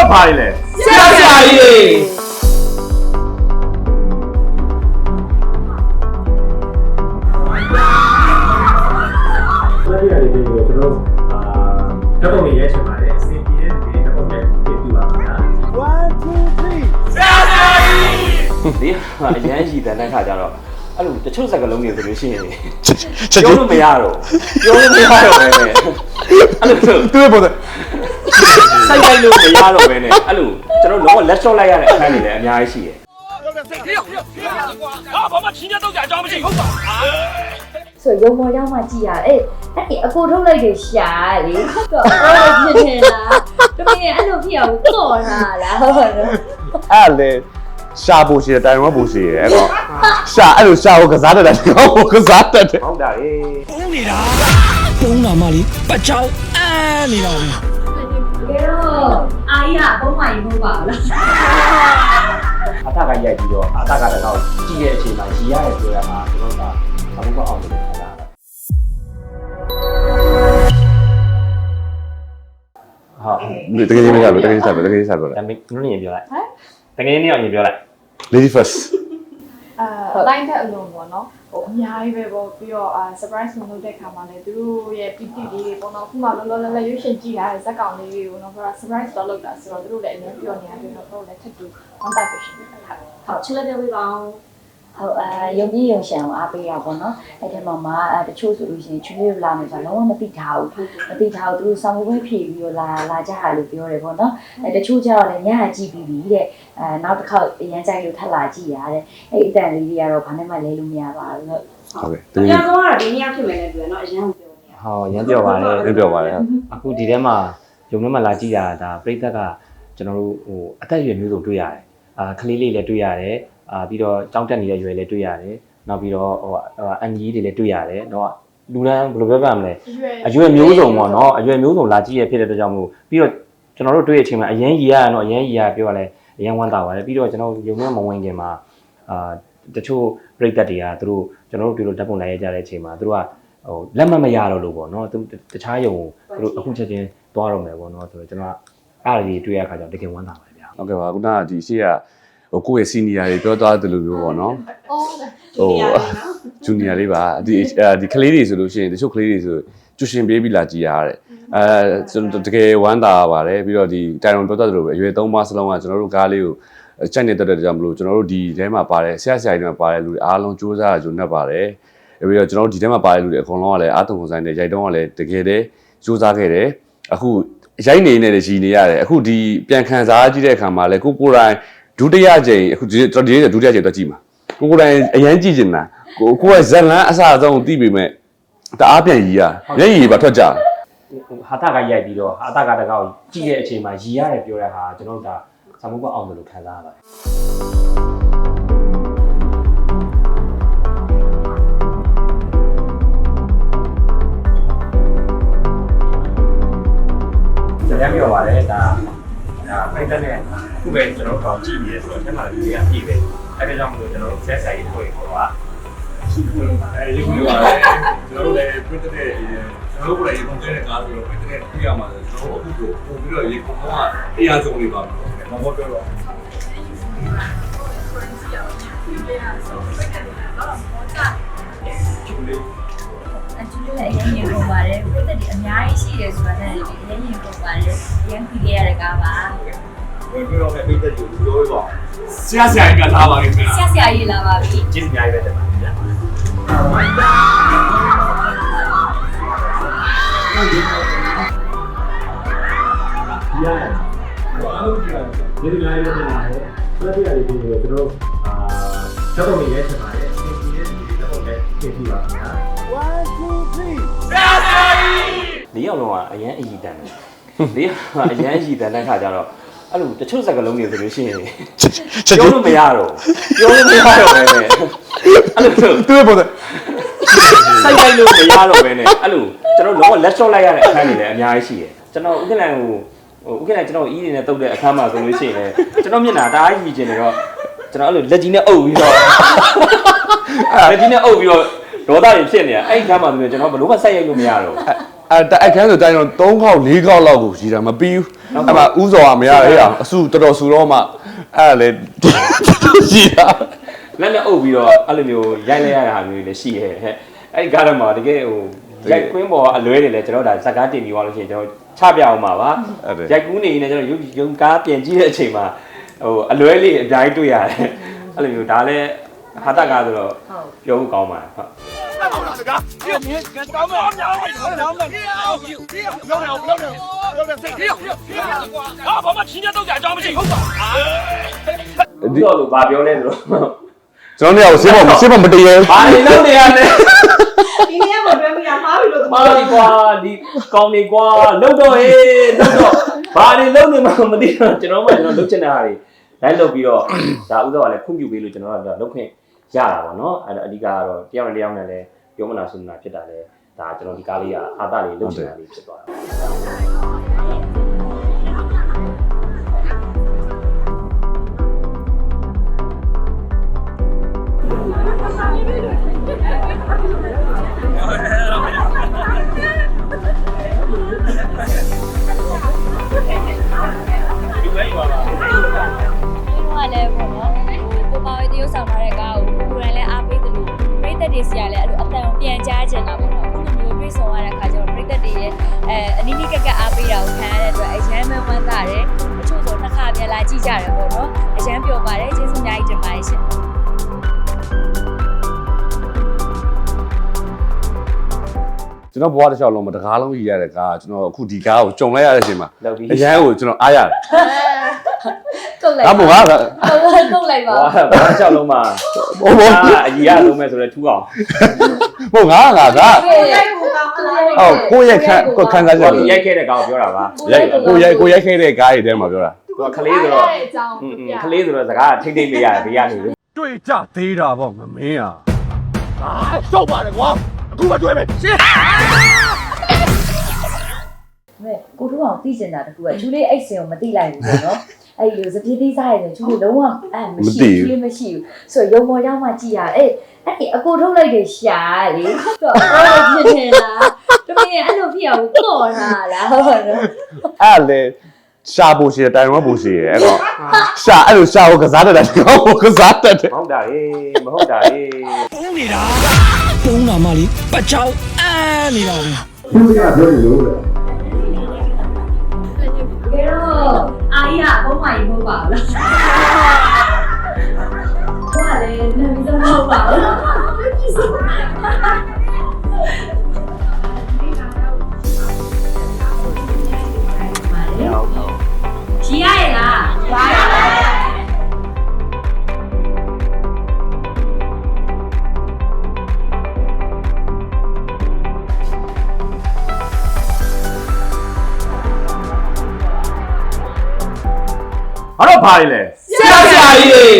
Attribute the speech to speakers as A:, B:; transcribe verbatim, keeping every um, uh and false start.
A: ပါလေဆရာဆရာကြီးတွေလက်ပြရည်တွေကိုကျွန်တော်အာဓာတ်ပုံတွေရိုက်ချင်ပါတယ်အစီအပြေတွေဓာတ်ပုံရိုက်ပြပြပါခင်ဗျာ
B: one two three
A: ဆရာဆရာကြီး
C: ဒီအရန်ရှိတဲ့တဲ့ခါကျတော့အဲ့လိုတချို့စကားလုံးတွေဆိုလို့ရှိရင်ပြောလို့မရတော့ပြောလို့မရတော့ပဲနဲ့အဲ့လို
B: သူ့ပေါ်တဲ့
C: စိုက်လိုက်လို့မရတော့ပဲနဲ့အဲ့လိုကျွန်တော်တော့လက်ရှော့လိုက်ရတဲ့အခန်းတွေလည်းအများကြီးရှိတယ်
A: ဟာဘာမှချင်းတော့ကြာအကြောင်းမရှိဟုတ်ပါ
D: ဆိုရုံပေါ်ရောက်မှကြည်ရအဲ့အဲ့အကိုထုတ်လိုက်တယ်ရှာလေတော့အဲ့လိုဖြစ်နေတာတမင်အဲ့လိုဖြစ်အောင်တော့တာလားဟုတ်ပါတော့
B: အဲ့လေရှာဖို့ရှိတယ်တိုင်ဝမ်ဖို့ရှိတယ်အဲ့တော့ရှာအဲ့လိုရှာဖို့ကစားတတ်တယ်ဟောကစားတတ်တယ်
C: ဟုတ်တာလေ
A: ပုံးနေတာပုံးတာမှလေပတ်ချောင်းအာနေတာပဲ
D: ကဲတော့အာရအပုံးမကြီးမဟုတ်ပါဘူးလား
C: အထကရိုက်ပြီးတော့အထကတကောင်ကြည့်တဲ့အချိန်မှာရီရတယ်ပြောရမှာကျွန်တော်ကဘာမှမအောင်လို့ခလာတာ
B: ဟာတကယ်ကြီးမကြဘူးတကယ်ကြီးစားပဲတကယ်ကြီးစားပဲ
C: ဒါမင်းနုနေပြောလိုက်ဟမ်တကယ်ကြီးနေအောင်ပြောလိုက်
B: lady first
E: အာတိုင်းတဲ့အလုံးပေါ့နော်ဟိုအများကြီးပဲပေါ့ပြီးတော့အာ surprise မလုပ်တဲ့ခါမှာလည်းသူတို့ရဲ့ ပီ တီ လေးတွေပေါ့နော်ခုမှလောလောလတ်လတ်ရွေးရှင်ကြည့်ရတဲ့ဇက်ကောင်လေးတွေကိုနော်ပြောတာ surprise တော့လုပ်တာဆိုတော့သူတို့လည်းအများပြောနေရတယ်တော့တို့လည်းထပ်တူ contact patient တွေထားတယ်
D: ဟုတ်ချစ်လက်ပြပေးပါအောင်ဟုတ်အာယုံကြည်ယုံရှံကိုအားပေးရပါတော့အဲ့ဒီမှာမှာတချို့ဆိုလို့ရှိရင်ချွေးလေးလာမယ်ဆိုတော့လုံးဝမသိထားဘူးမသိထားဘူးသူတို့ဆောင်းပွဲဖြည့်ပြီးတော့လာလာကြတာလို့ပြောတယ်ပေါ့နော်အဲ့တချို့ကျတော့လည်းညဟာကြည့်ပြီးပြီတဲ့အဲနောက်တစ်ခေါက်ရမ်းကြိုက်လို့ထပ်လာကြည့်ရတဲ့အဲ့အတန်လေးတွေကတော့ဘာနဲ့မှလဲလို့မရပါဘူးလို့
B: ဟုတ်ကဲ့
F: အများဆုံးကတော့ဒီနေ့ဖြစ်မယ်နဲ့ပြောနော်အရင်ကပြောနေ
C: ဟောရမ်းပြောပါလေ
B: ရမ်းပြောပါလေ
C: အခုဒီထဲမှာယုံထဲမှာလာကြည့်ရတာပြိသက်ကကျွန်တော်တို့ဟိုအသက်အရွယ်မျိုးစုံတွေ့ရတယ်အာကလေးလေးလည်းတွေ့ရတယ်အာပြီးတော့ကြောင်းတက်နေတဲ့ရွယ်လည်းတွေ့ရတယ်နောက်ပြီးတော့ဟိုအန်ကြီးတွေလည်းတွေ့ရတယ်တော့လူတန်းဘယ်လိုပြောပြမလဲအရွယ်မျိုးစုံပေါ့နော်အရွယ်မျိုးစုံလာကြည့်ရဖြစ်တဲ့အတွက်ကြောင့်မို့ပြီးတော့ကျွန်တော်တို့တွေ့တဲ့အချိန်မှာအရင်ကြီးရရတော့အရင်ကြီးရပြောရလဲအရင်ဝမ်းသာပါတယ်ပြီးတော့ကျွန်တော်ယုံနဲ့မဝင်ခင်မှာအာတချို့ပြိသက်တွေကသူတို့ကျွန်တော်တို့ဒီလိုဓာတ်ပုံလိုက်ရကြတဲ့အချိန်မှာသူတို့ကဟိုလက်မှတ်မရတော့လို့ပေါ့နော်သူတခြားယုံသူတို့အခုချက်ချင်းသွားတော့မယ်ပေါ့နော်ဆိုတော့ကျွန်တော်အားရည်တွေ့ရခါကျတော့တကယ်ဝမ်းသာပါတယ်ဗျာ
B: ဟုတ်ကဲ့ပါခုနကဒီရှေ့ကဟိုကိုယ့်ရဲ့ senior တွေပြောသွားတယ်လို့ပြောပေါ့နော်ဟို junior လေးပါဒီဒီကလေးတွေဆိုလို့ရှိရင်တချို့ကလေးတွေဆိုကျူရှင်ပေးပြီးလာကြည်ရတဲ့အဲကျွန်တော်တကယ်ဝမ်းသာပါတယ်ပြီးတော့ဒီတိုင်ရွန်ပြောသွားတယ်လို့ပဲအရွယ်သုံးပါးစလုံးကကျွန်တော်တို့ကားလေးကိုကြိုက်နေတတ်တဲ့ကြောင့်မလို့ကျွန်တော်တို့ဒီထဲမှာပါတယ်ဆရာဆရာကြီးတွေမှာပါတယ်လူတွေအားလုံးစူးစမ်းကြုံနေပါတယ်ပြီးတော့ကျွန်တော်တို့ဒီထဲမှာပါတယ်လူတွေအကုန်လုံးကလည်းအားသုံးဆိုင်တဲ့ရိုက်တုံးကလည်းတကယ်တည်းစူးစမ်းခဲ့တယ်အခုရိုက်နေနေတယ်ကြီးနေရတယ်အခုဒီပြန်ခံစားကြည့်တဲ့အခါမှာလည်းကိုကိုယ်တိုင်ဒုတိယကြိမ်အခုဒီကျွန်တော်ဒီဒုတိယကြိမ်တော့ကြည့်မှာကိုကိုယ်တိုင်အရန်ကြည့်ကျင်တာကိုကိုကဇက်လန်းအစအဆုံးသိပေမဲ့တအားပြန်ရီရမျက်ရည်ပါထွက်ကြ
C: ဟာတာကရိုက်ပြီးတော့ဟာတာကတကောက်ကြည့်တဲ့အချိန်မှာရီရတယ်ပြောတဲ့ဟာကျွန်တော်တို့ဒါစာမှုကအောင်တယ်လို့ခံစားရပါတယ်ရမ်းပြောပါတယ်ဒါဒါဖိုက်တဲ့နဲ့ခုပဲကျွန်တော်တို့ကြည့်နေရဆိုတော့အဲ့မှာဒီကပြည့်ပဲအဲ့ဒါကြောင့်မလို့ကျွန်တော်တို့ဆက်ဆိုင်ရေးတွေ့ခေါ်တာ
A: အဲဒီလိုပါလေကျွန်တော်တို့လည်းပြတ်တဲ့ကျွန်တော်တို့လည်းရေကုန်တဲ့ကားဆိုတော့ပြတ်တဲ့ပြရမှာကျွန်တော်အခုကိုပို့ပြီးတော့ရေကုန်ကအရာဆုံးလေးပါမဟုတ်ပြောတော့
D: အကျိုးလည်းအရင်ရင်ပုံပါတယ်ပြည့်တဲ့ဒီအများကြီးရှိတယ်ဆိုတာနဲ့အရင်ရင်ပုံပါတယ်အရင်ပြီးခဲ့ရတဲ့ကားပါ
A: ဘယ်လိုလဲပြည့်တဲ့ကိုပြောရပါဆရာဆရာကြီးကလာပါလိမ့်မယ်
D: ဆရာဆရာကြီးလာပါပြီ
C: ကျေးဇူးအများကြီးပဲတင်ပါတယ်ဗျာရတယ်ဘာလို့ကြည့်ရလဲဒီလိုလေးတင်လာတယ်လက်ပြရည်တွေကိုကျွန်တော်အာချက်တော့နေရဲချက်ပါတယ်စင်စီရဲ့ဒီတော့လည်းပြင်ပြပါခင်ဗျာ
B: one two three
A: ဆရာဆရာကြီး
C: ဒီရောက်တော့အရန်အည်တန်တယ်ဒီကအရန်အည်တန်တဲ့ခါကျတော့အဲ့လိုတချို့စကားလုံးတွေဆိုလို့ရှိရင်ပြောလို့မရတော့ပြောလို့မရတော့ပဲနဲ့အဲ့လိုသူ
B: ့ပေါ်တဲ့
C: စိုက်လိုက်လို့မရတော့ပဲနဲ့အဲ့လိုကျွန်တော်တော့လက်ရှော့လိုက်ရတဲ့အခန်းတွေလည်းအများကြီးရှိတယ်ကျွန်တော်ဥက္ကဋ္ဌကိုဟိုဥက္ကဋ္ဌကျွန်တော်အီးနေနဲ့တုတ်တဲ့အခန်းမှာဆိုလို့ရှိရင်လည်းကျွန်တော်မျက်နှာတအားကြီးကျင်နေတော့ကျွန်တော်အဲ့လိုလက်ကြီးနဲ့အုပ်ပြီးတော့လက်ကြီးနဲ့အုပ်ပြီးတော့ဒေါသတွေဖြစ်နေတာအဲ့ဒီခါမှဆိုရင်ကျွန်တော်ဘယ်လိုမှစိုက်ရိုက်လို့မရတော့
B: အဲတိုက်ခန်းဆိုတိုင်းတော့သုံးခေါက်လေးခေါက်လောက်ကိုရှိတာမပြီးဘူးအဲ့မှာဥစော်ကမရဟဲ့အဆူတော်တော်ဆူတော့မှအဲ့လေရှိတာ
C: လက်နဲ့အုပ်ပြီးတော့အဲ့လိုမျိုးရိုက်လိုက်ရတာမျိုးလည်းရှိရဲ့ဟဲ့အဲ့ဒီကားတော့မှတကယ်ဟိုရိုက်ကွင်းပေါ်အလွဲတွေလည်းကျွန်တော်ဒါဇက်ကားတင်ပြီးသွားလို့ရှိရင်ကျွန်တော်ချပြအောင်ပါပါရိုက်ကူးနေနေကျွန်တော်ရုပ်ရုံကားပြင်ကြည့်တဲ့အချိန်မှာဟိုအလွဲလေးအများကြီးတွေ့ရတယ်အဲ့လိုမျိုးဒါလည်းဟာတကားဆိုတော့ပြောဖို့ကောင်းပါတယ်ဟုတ်ဒီတော့လို့ဗာပြောလဲဆိုတော့
B: ကျွန်တော်တို့ကဆေးပေါ်ဆေးပေါ်မတည်ရဲ
C: ဘာနေလို့နေရလဲ
F: ဒီနေ့ကပြောပြရမှာပြီလို့
C: မာဒီကွာဒီကောင်းနေကွာလုံတော့ဟေးလုံတော့ဘာနေလုံနေမှမသိတော့ကျွန်တော်မှကျွန်တော်လုတ်ချင်တာဟာတွေလိုက်လုပ်ပြီးတော့ဒါဥစ္စာကလည်းခွင့်ပြုပေးလို့ကျွန်တော်ကလုတ်ခွင့်ရတာပေါ့နော်အဲ့တော့အဓိကကတော့တယောက်နဲ့တယောက်နဲ့လည်းပြောမနာဆိုမနာဖြစ်တာလေဒါကျွန်တော်ဒီကားလေးကအာသလေးလုတ်ချင်တာလေးဖြစ်သွားတာ
G: လည်းပေါ့နော်ဟိုကိုပါဝေးတရုပ်ဆောင်ထားတဲ့ကားကိုကိုယ်တိုင်လည်းအားပေးတယ်လို့ပရိသတ်တွေစီကလည်းအဲ့လိုအတန်ပြန်ကြားချင်တာပေါ့နော်အခုလိုမျိုးတွေ့ဆုံရတဲ့ခါကျတော့ပရိသတ်တွေရဲ့အဲအနီးနီးကက်ကအားပေးတာကိုခံရတဲ့အတွက်အရန်မှဝမ်းသာတယ်အချို့ဆိုနှစ်ခါပြန်လာကြည့်ကြတယ်ပေါ့နော်အရန်ပျော်ပါတယ်ကျေးဇူးအများကြီးတင်ပါတယ်ရှင်
B: ကျွန်တော်ဘွားတစ်လျှောက်လုံးမှာတကားလုံးရည်ရတဲ့ကားကျွန်တော်အခုဒီကားကိုကြုံလိုက်ရတဲ့အချိန်မှာ
C: လောက်ပြီး
B: အရန်ကိုကျွန်တော်အားရတယ်
G: ကုတ်လိုက်
B: ဒါမို့ဟာ
G: ကုတ်လိုက်ပါ
C: ဘာဘာလျှောက်လုံးမှာ
B: ဘိုးဘိုး
C: အကြီးရလုံးမဲ့ဆိုတော့ထူအောင်
B: ဟုတ်ငါငါက
F: ကိုယ်ကိုကောင်းလား
B: ဟုတ်ကိုရဲ့ခန်းကိုခန်းစားချက်
C: ကိုရိုက်ခဲ့တဲ့ကောင်ပြောတာပါ
B: ရိုက်ကိုရိုက်ကိုရိုက်ခဲ့တဲ့ကားတွေထဲမှာပြောတာ
C: သူကခလေးဆိုတော့
E: အကြောင်း
C: อืมခလေးဆိုတော့စကားထိတ်ထိတ်လေးရတယ်ဘေးကနေလို့
A: တွေ့ကြသေးတာပေါ့ငမင်းอ่ะအာရှောက်ပါတယ်ကွာအခုမှတွေ့မယ်ရှင်း
D: မဲကိုတို့အောင်သိကျင်တာတကူကကျူလေးအိတ်စင်ကိုမသိလိုက်ဘူးပေါ့နော်အဲ့ဒီလိုစပြေးသေးစားရတယ်ကျူလေးလုံးဝအဲ့မရှိကျူလေးမရှိဘူးဆိုတော့ရုံပေါ်ရောက်မှကြည့်ရအဲ့အဲ့ဒီအကိုထုတ်လိုက်တဲ့ရှာလေတော့အော်ဖြစ်နေတာတမင်အဲ့လိုဖြစ်အောင်ကော့ထားလားဟုတ်ပါတော့
B: အဲ့လေရှာဖို့ရှိတယ်တိုင်ဝမ်ဖို့ရှိတယ်အဲ့တော့ရှာအဲ့လိုရှာကိုကစားတတ်တယ်ကောကစားတတ်တယ်
C: မဟုတ်တာလေမဟုတ်တာလေ
H: ပုံးနေတာပုံးတာမှလေပတ်ချောင်းအာနေတာပဲ
A: သူကပြောနေလို့လေ
D: ကဲတော့အာရဘုံမကြီးမဟုတ်ပါဘူးလားဟိုကလည်းနေပြီးတော့မဟုတ်ပါဘူးကြီးရရလားပါရပါ
C: ဘာတော့ဘာလဲဆရာဆရာကြီး